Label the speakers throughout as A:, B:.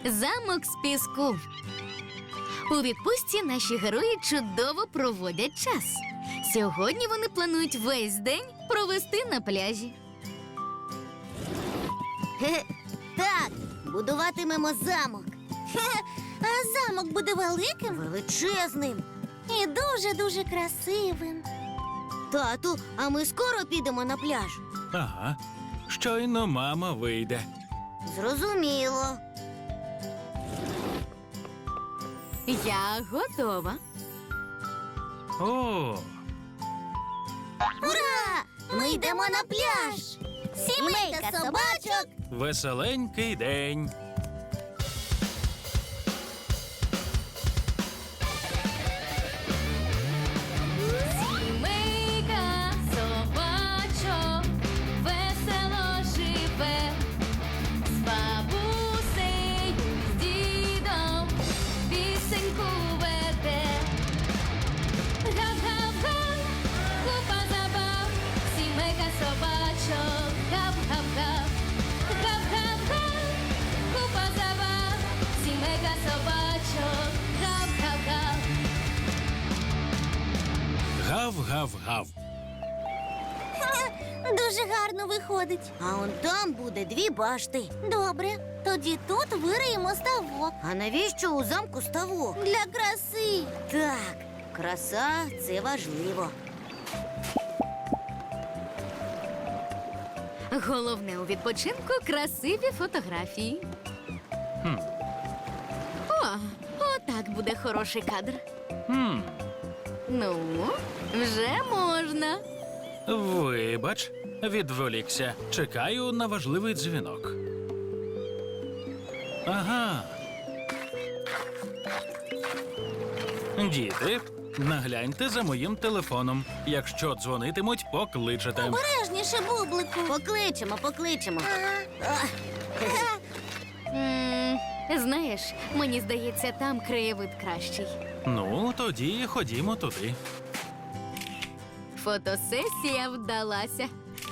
A: Замок з піску. У відпустці наші герої чудово проводять час. Сьогодні вони планують весь день провести на пляжі.
B: Так, будуватимемо замок.
C: А замок буде великим
B: Величезним.
C: і дуже-дуже красивим.
B: Тату, а ми скоро підемо на пляж.
D: Ага. Щойно мама вийде.
B: Зрозуміло.
A: Я готова.
D: О,
C: Ура! Ми йдемо на пляж! Сімейка собачок!
D: веселенький день.
A: Сімейка собачок весело живе, з бабусею, з дідом пісеньку веде. Гав-гав-га, купа забав, сімейка собачок, гав-гав-гав. Гав-гав-га, купа забав, сімейка собачок, гав-гав-гав.
D: Гав-гав-гав.
C: Дуже гарно виходить.
B: А он там буде 2 башти.
C: Добре, тоді тут вириємо ставок.
B: А навіщо у замку ставок?
C: Для краси.
B: Так, краса – це важливо.
A: Головне у відпочинку – красиві фотографії.
D: Хм.
A: Отак буде хороший кадр.
D: Хм.
A: Ну, вже можна.
D: Вибач, відволікся. Чекаю на важливий дзвінок. Ага. Діти, нагляньте за моїм телефоном. Якщо дзвонитимуть, покличете.
C: Обережніше, бублику.
B: Покличемо.
A: Знаєш, мені здається, там краєвид кращий.
D: Ну, тоді ходімо туди.
A: Фотосесія вдалася.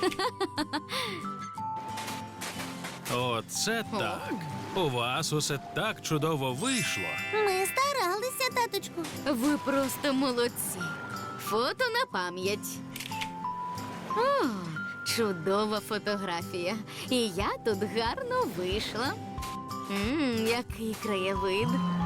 D: Оце так. У вас усе так чудово вийшло.
C: Ми старалися, таточку.
A: Ви просто молодці. Фото на пам'ять. О, чудова фотографія. І я тут гарно вийшла. Який краєвид.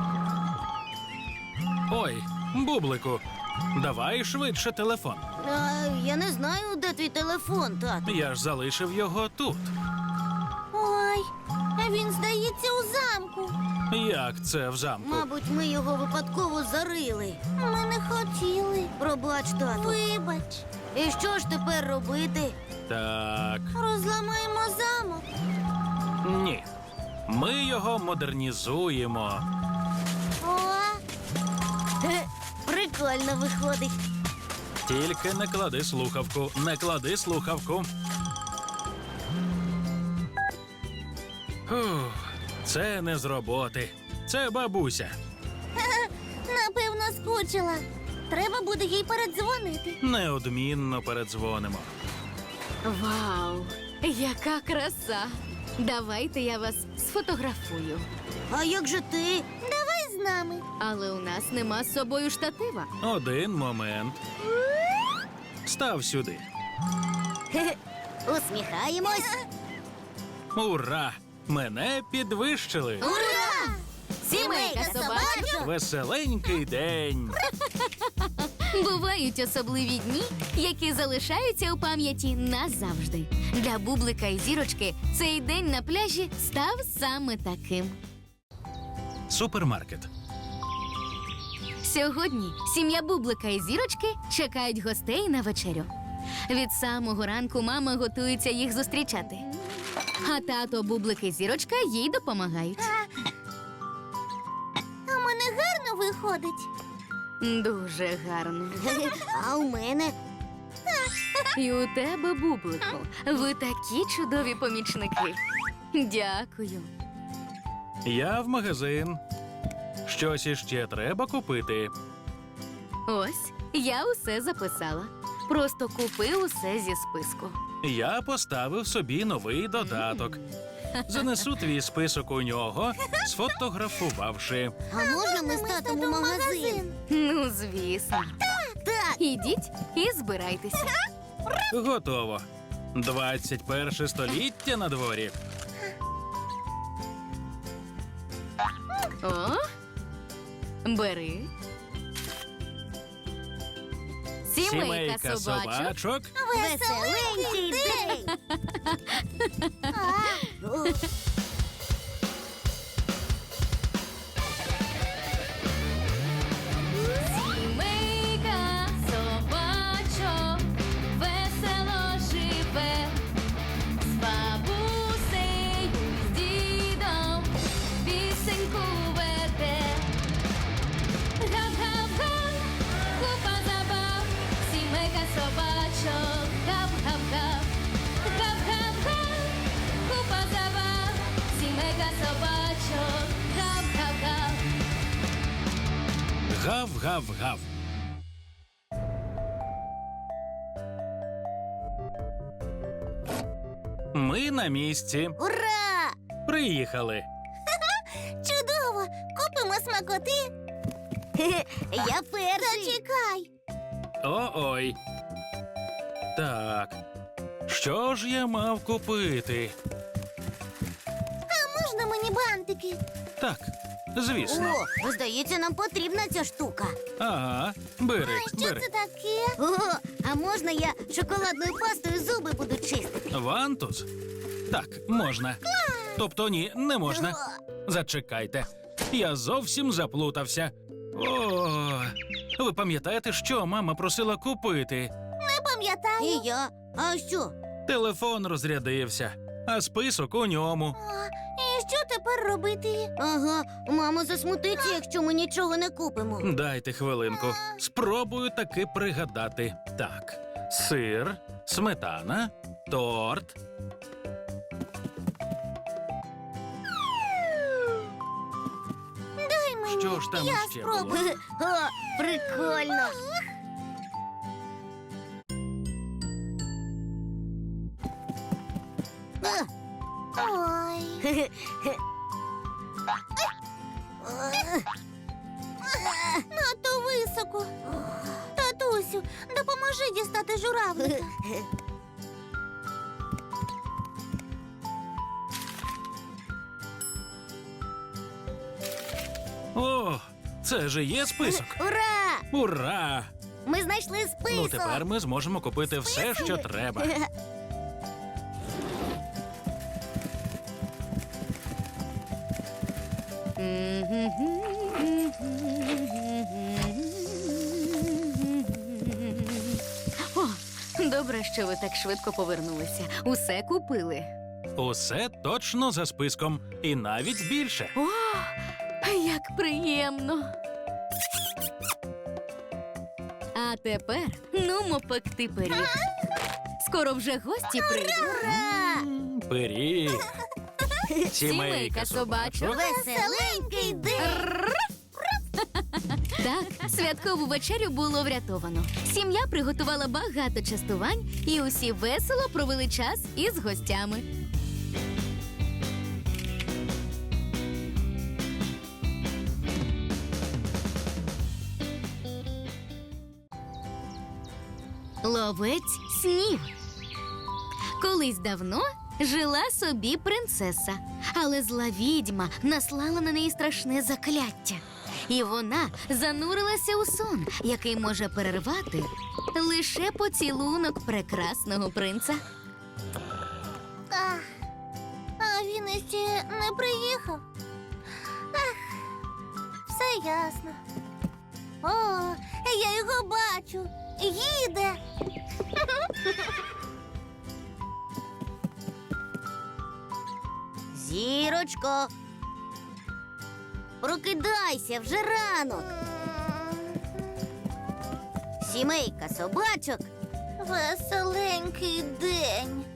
D: Ой, бублику, давай швидше телефон.
B: Я не знаю, де твій телефон, тату.
D: Я ж залишив його тут.
C: Ой, він, здається, у замку.
D: Як це в замку?
B: Мабуть, ми його випадково зарили.
C: Ми не хотіли.
B: Пробач, тату.
C: Вибач,
B: І що ж тепер робити?
D: Так,
C: розламаємо замок.
D: ні. Ми його модернізуємо.
C: О,
B: Прикольно виходить.
D: Тільки не клади слухавку, не клади слухавку. Фух, це не з роботи. Це бабуся.
C: напевно, скучила. Треба буде їй передзвонити.
D: Неодмінно передзвонимо.
A: Вау, яка краса! Давайте я вас сфотографую.
B: А як же ти?
C: Давай з нами.
A: Але у нас нема з собою штатива.
D: Один момент. Став сюди.
B: Усміхаємось.
D: Ура! Мене підвищили.
B: Ура!
C: Сімейка собачок.
D: Веселенький день.
A: Бувають особливі дні, які залишаються у пам'яті назавжди. Для Бублика і Зірочки цей день на пляжі став саме таким.
D: Супермаркет.
A: Сьогодні сім'я Бублика і Зірочки чекають гостей на вечерю. Від самого ранку мама готується їх зустрічати. А тато Бублик і Зірочка їй допомагають.
C: А в мене гарно виходить.
A: Дуже гарно.
B: А у мене?
A: І у тебе, Бублику, ви такі чудові помічники. Дякую.
D: Я в магазин. Щось іще треба купити.
A: Ось, я усе записала. Просто купи усе зі списку.
D: Я поставив собі новий додаток. Занесу твій список у нього, сфотографувавши.
B: А можна ми з татом у магазин?
A: Ну, звісно.
B: Так.
A: Ідіть і збирайтеся.
D: Готово. 21 століття на дворі.
A: О, бери. Сімейка собачок.
D: собачок.
B: Веселенький день.
A: Сімейка собачок весело живе, з бабусею, з дідом пісеньку веде. Гав-гав-га, купа забав, сімейка собачок, гав-гав-гав. Гав-гав-га, купа забав, сімейка собачок, гав-гав-гав.
D: Гав-гав-гав. Ми на місці.
B: Ура!
D: Приїхали.
C: Чудово! Купимо смакоти.
B: Я перший.
C: Зачекай.
D: О-ой. Так. Що ж я мав купити?
C: Можна мені бантики?
D: Так, звісно.
B: О, здається, нам потрібна ця штука.
D: Ага, бери,
C: Що
D: бери.
C: це таке?
B: О, а можна я шоколадною пастою зуби буду чистити?
D: Вантус? Так, можна. Тобто ні, не можна. Зачекайте. Я зовсім заплутався. О, ви пам'ятаєте, що мама просила купити?
C: Не пам'ятаю.
B: І я. А що?
D: Телефон розрядився, а список у ньому.
C: І що тепер робити?
B: Ага, мама засмутиться, якщо ми нічого не купимо.
D: Дайте хвилинку. Спробую таки пригадати. Так, сир, сметана, торт.
C: Дай мені.
D: Що ж там
C: Я
D: ще
C: спробую.
D: було?
B: О, прикольно.
C: Ой. Надто високо. Татусю, допоможи дістати журавлика.
D: О, це же є список.
B: Ура!
D: Ура!
B: Ми знайшли список.
D: Ну тепер ми зможемо купити все, що треба.
A: О, добре, що ви так швидко повернулися. Усе купили.
D: Усе точно за списком. І навіть більше.
A: О, як приємно. А тепер нумо пекти пиріг. Скоро вже гості прийдуть.
D: Пиріг.
A: Сімейка собачок.
B: Веселенький день.
A: Так, святкову вечерю було врятовано. Сім'я приготувала багато частувань, і усі весело провели час із гостями. Ловець снів. Колись давно жила собі принцеса, але зла відьма наслала на неї страшне закляття. І вона занурилася у сон, який може перервати лише поцілунок прекрасного принца.
C: А він іще не приїхав. Ах, все ясно. О, я його бачу. Їде.
B: Зірочко. Прокидайся, вже ранок. Сімейка собачок.
C: Веселенький день.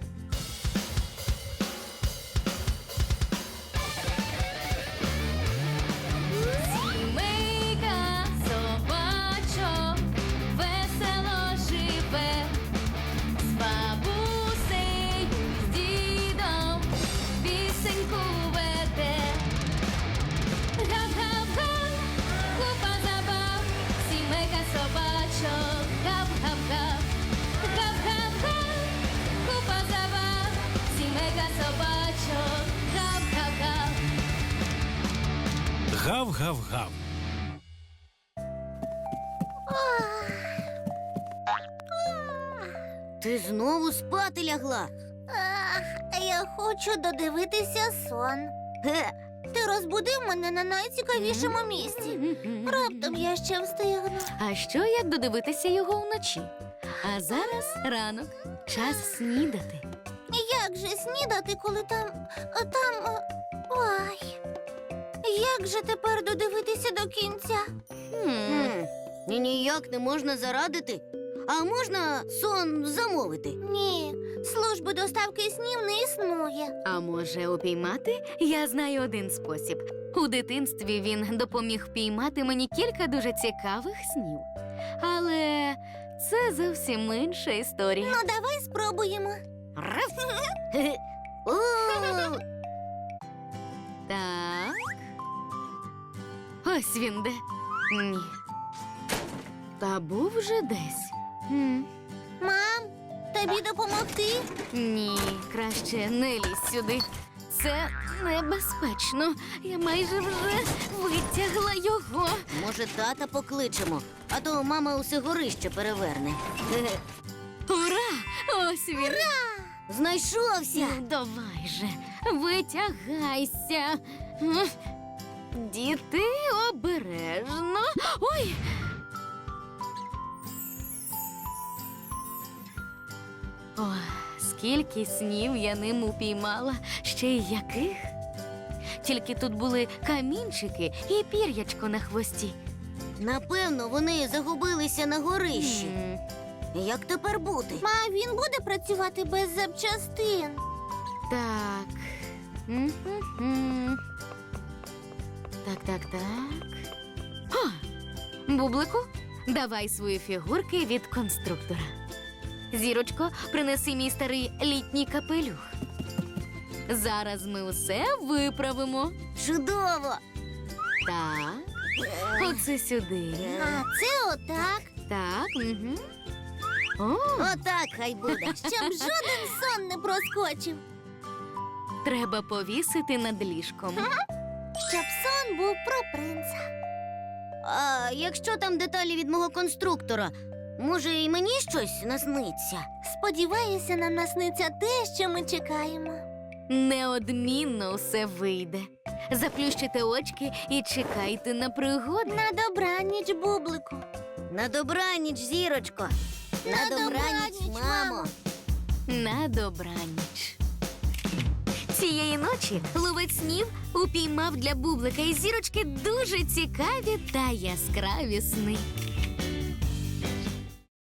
A: Сімейка собачок весело живе, з бабусею, з дідом пісеньку
D: Гав-гав-гав.
B: Ти знову спати лягла.
C: Я хочу додивитися сон.
B: Ге,
C: Ти розбудив мене на найцікавішому місці. Раптом я ще встигну.
A: А що як додивитися його вночі? А зараз ранок, час снідати.
C: Як же снідати, коли там. Ой. Як же тепер додивитися до кінця?
B: І ніяк не можна зарадити. А можна сон замовити?
C: Ні, служби доставки снів не існує.
A: А може, упіймати? Я знаю один спосіб. У дитинстві він допоміг впіймати мені кілька дуже цікавих снів. Але це зовсім інша історія.
C: Ну, давай спробуємо.
B: Хе-хе. О,
A: Так. Ось він де. Ні. Та був вже десь.
C: Мам, тобі допомогти?
A: Ні, краще не лізь сюди. Це небезпечно. Я майже вже витягла його.
B: може, тата покличемо, а то мама усе горище переверне. Хе-хе.
A: Ура! Ось він.
B: Знайшовся.
A: Ну, давай же, витягайся. Діти, обережно. Ой! О, скільки снів я ним упіймала, ще й яких. Тільки тут були камінчики і пір'ячко на хвості.
B: Напевно, вони загубилися на горищі.
A: М,
B: Як тепер бути?
C: Ма, він буде працювати без запчастин.
A: Так. М-м-м. Так. О, Бублику, давай свої фігурки від конструктора. Зірочко, принеси мій старий літній капелюх. Зараз ми усе виправимо.
B: Чудово!
A: Так. Оце сюди.
C: А це отак,
A: Так. Угу. О,
B: Отак хай буде.
C: щоб жоден сон не проскочив.
A: треба повісити над ліжком.
C: Щоб сон був про принца.
B: А якщо там деталі від мого конструктора, може, і мені щось насниться?
C: Сподіваюся, нам насниться те, що ми чекаємо.
A: Неодмінно все вийде. Заплющите очки і чекайте на пригоди.
C: На добраніч, Бублику.
B: На добраніч, зірочко.
C: На добраніч, мамо.
A: На добраніч. Цієї ночі ловець снів упіймав для Бублика і зірочки дуже цікаві та яскраві сни.